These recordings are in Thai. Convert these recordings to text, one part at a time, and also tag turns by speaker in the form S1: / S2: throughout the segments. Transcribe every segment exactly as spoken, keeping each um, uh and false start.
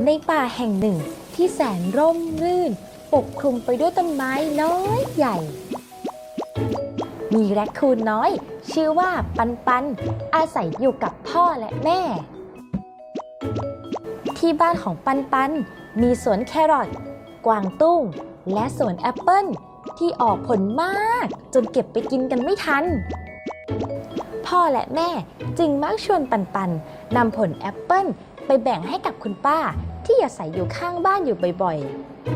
S1: ในป่าแห่งหนึ่งที่แสนร่มรื่นปกคลุมไปด้วยต้นไม้น้อยใหญ่มีแรคคูนน้อยชื่อว่าปันปันอาศัยอยู่กับพ่อและแม่ที่บ้านของปันปันมีสวนแครอทกวางตุ้งและสวนแอปเปิ้ลที่ออกผลมากจนเก็บไปกินกันไม่ทันพ่อและแม่จึงมักชวนปันปันนำผลแอปเปิ้ลไปแบ่งให้กับคุณป้าที่อาศัยอยู่ข้างบ้านอยู่บ่อย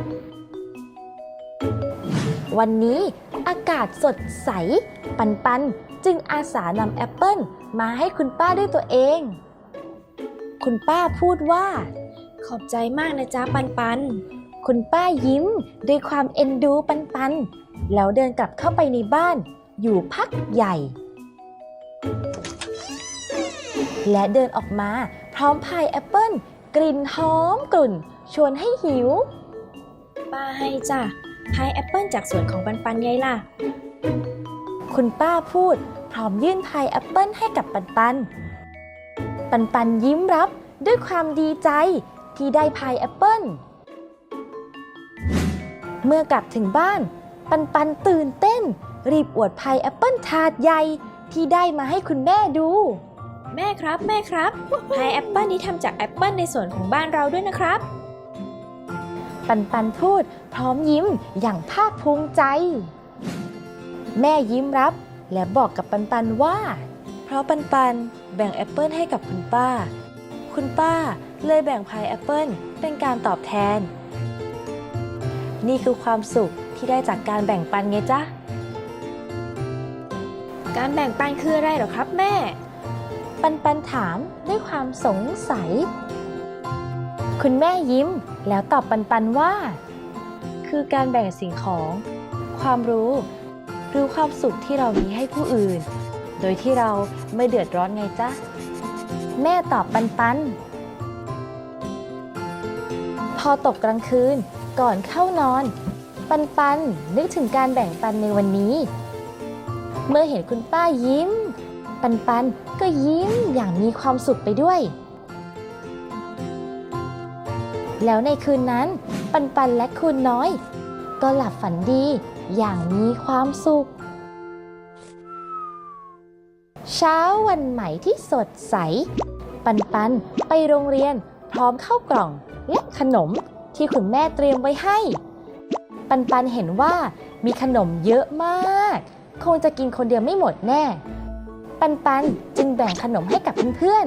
S1: ๆวันนี้อากาศสดใสปันปันจึงอาสานำแอปเปิ้ลมาให้คุณป้าด้วยตัวเองคุณป้าพูดว่า
S2: ขอบใจมากนะจ๊ะปันปัน
S1: คุณป้ายิ้มด้วยความเอ็นดูปันปันแล้วเดินกลับเข้าไปในบ้านอยู่พักใหญ่และเดินออกมาพร้อมพายแอปเปิ้ลกลิ่นหอมกลุ่นชวนให้หิว
S2: ป้าให้จ้ะพายแอปเปิ้ลจากสวนของปันปันไงล่ะ
S1: คุณป้าพูดพร้อมยื่นพายแอปเปิ้ลให้กับปันปันปันปันยิ้มรับด้วยความดีใจที่ได้พายแอปเปิ้ลเมื่อกลับถึงบ้านปันปันตื่นเต้นรีบอวดพายแอปเปิ้ลถาดใหญ่ที่ได้มาให้คุณแม่ดู
S2: แม่ครับแม่ครับพายแอปเปิ้ลนี้ทำจากแอปเปิ้ลในสวนของบ้านเราด้วยนะครับ
S1: ปันปันพูดพร้อมยิ้มอย่างภาคภูมิใจแม่ยิ้มรับและบอกกับปันปันว่าเพราะปันปันแบ่งแอปเปิ้ลให้กับคุณป้าคุณป้าเลยแบ่งพายแอปเปิ้ลเป็นการตอบแทนนี่คือความสุขที่ได้จากการแบ่งปันไงจ๊ะ
S2: การแบ่งปันคืออะไรหรอครับแม่
S1: ปันปันถามด้วยความสงสัยคุณแม่ยิ้มแล้วตอบปันปันว่าคือการแบ่งสิ่งของความรู้หรือความสุขที่เรามีให้ผู้อื่นโดยที่เราไม่เดือดร้อนไงจ๊ะแม่ตอบปันปันพอตกกลางคืนก่อนเข้านอนปันปันนึกถึงการแบ่งปันในวันนี้เมื่อเห็นคุณป้ายิ้มปันปันก็ยิ้มอย่างมีความสุขไปด้วยแล้วในคืนนั้นปันปันและคุณน้อยก็หลับฝันดีอย่างมีความสุขเช้าวันใหม่ที่สดใสปันปันไปโรงเรียนพร้อมข้าวกล่องและขนมที่คุณแม่เตรียมไว้ให้ปันปันเห็นว่ามีขนมเยอะมากคงจะกินคนเดียวไม่หมดแน่ปันปันจึงแบ่งขนมให้กับเพื่อน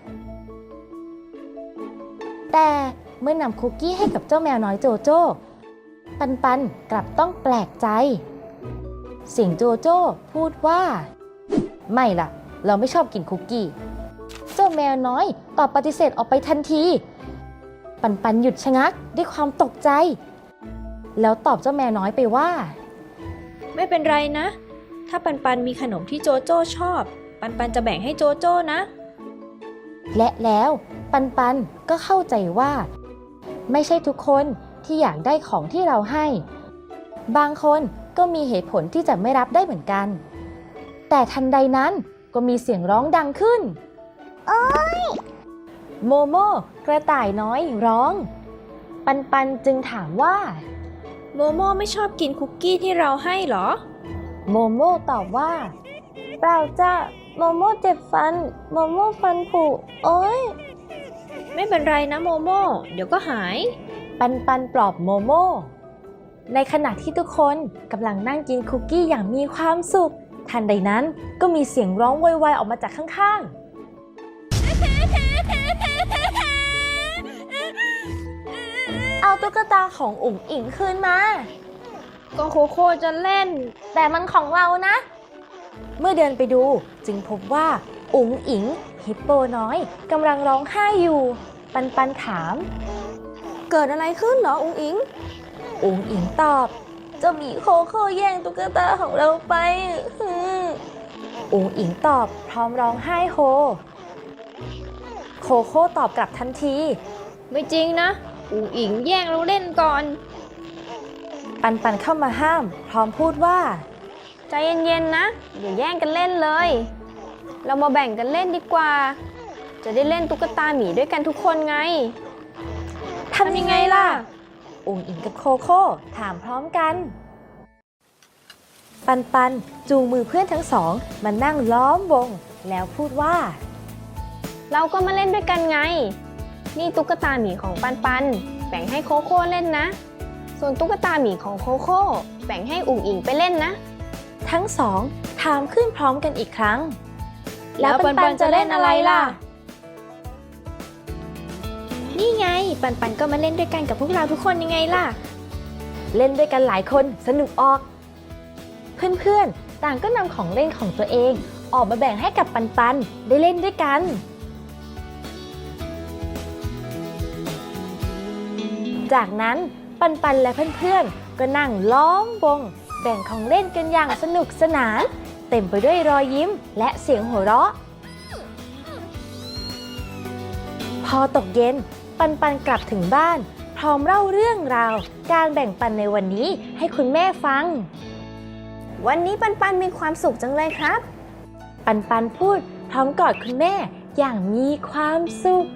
S1: ๆแต่เมื่อนำคุกกี้ให้กับเจ้าแมวน้อยโจโจ้ปันปันกลับต้องแปลกใจเสียงโจโจ้พูดว่าไม่ล่ะเราไม่ชอบกินคุกกี้เจ้าแมวน้อยตอบปฏิเสธออกไปทันทีปันปันหยุดชะงักด้วยความตกใจแล้วตอบเจ้าแมวน้อยไปว่า
S2: ไม่เป็นไรนะถ้าปันปันมีขนมที่โจโจ้ชอบปันปันจะแบ่งให้โจโจ้นะ
S1: และแล้วปันปันก็เข้าใจว่าไม่ใช่ทุกคนที่อยากได้ของที่เราให้บางคนก็มีเหตุผลที่จะไม่รับได้เหมือนกันแต่ทันใดนั้นก็มีเสียงร้องดังขึ้นโอ๊ยโมโม่กระต่ายน้อยร้องปันปันจึงถามว่า
S2: โมโม่ไม่ชอบกินคุกกี้ที่เราให้หรอ
S1: โมโม่ตอบว่าเปล่าจ้ะโมโม่เจ็บฟันโมโม่ฟันผุโอ๊ย
S2: ไม่เป็นไรนะโมโม่เดี๋ยวก็หาย
S1: ปันปันปลอบโมโม่ในขณะที่ทุกคนกำลังนั่งกินคุกกี้อย่างมีความสุขทันใดนั้นก็มีเสียงร้องโวยวายออกมาจากข้างๆเอาตุ๊กตาของอุ๋งอิ๋งคืนมา
S2: ก็โคโค่จะเล่น
S1: แต่มันของเรานะเมื่อเดินไปดูจึงพบว่าอุ๋งอิ๋งฮิปโปน้อยกำลังร้องไห้อยู่ปันปันถาม
S2: เกิดอะไรขึ้นเหรออุ๋งอิ๋ง
S1: อุ๋งอิ๋งตอบเจ้าหมีโคโค่แย่งตุ๊กตาของเราไปอุ๋งอิ๋งตอบพร้อมร้องไห้โฮโคโค่ตอบกลับทันที
S2: ไม่จริงนะอุ๋งอิ๋งแย่งเราเล่นก่อน
S1: ปันปันเข้ามาห้ามพร้อมพูดว่า
S2: ใจเย็นๆนะอย่าแย่งกันเล่นเลยเรามาแบ่งกันเล่นดีกว่าจะได้เล่นตุ๊กตาหมีด้วยกันทุกคนไง
S1: ทำยังไงล่ะ อุ๋งอิงกับโคโค่ถามพร้อมกัน ปันปันจูงมือเพื่อนทั้งสองมานั่งล้อมวง แล้วพูดว่า
S3: เราก็มาเล่นด้วยกันไง นี่ตุ๊กตาหมีของปันปันแบ่งให้โคโค่เล่นนะ ส่วนตุ๊กตาหมีของโคโค่แบ่งให้อุ๋งอิงไปเล่นนะ
S1: ทั้งสองถามขึ้นพร้อมกันอีกครั้ง
S2: แล้วปันปันจะเล่นอะไรล่ะ นี่ไง ปันปันก็มาเล่นด้วยกันกับพวกเราทุกคนยังไงล่ะ
S1: เล่นด้วยกันหลายคนสนุกออก เพื่อนๆต่างก็นำของเล่นของตัวเองออกมาแบ่งให้กับปันปันได้เล่นด้วยกัน จากนั้นปันปันและเพื่อนๆก็นั่งล้อมวงแบ่งของเล่นกันอย่างสนุกสนานเต็มไปด้วยรอยยิ้มและเสียงหัวเราะ พอตกเย็นปันปันกลับถึงบ้านพร้อมเล่าเรื่องราวการแบ่งปันในวันนี้ให้คุณแม่ฟัง
S3: วันนี้ปันปันมีความสุขจังเลยครับ
S1: ปันปันพูดพร้อมกอดคุณแม่อย่างมีความสุข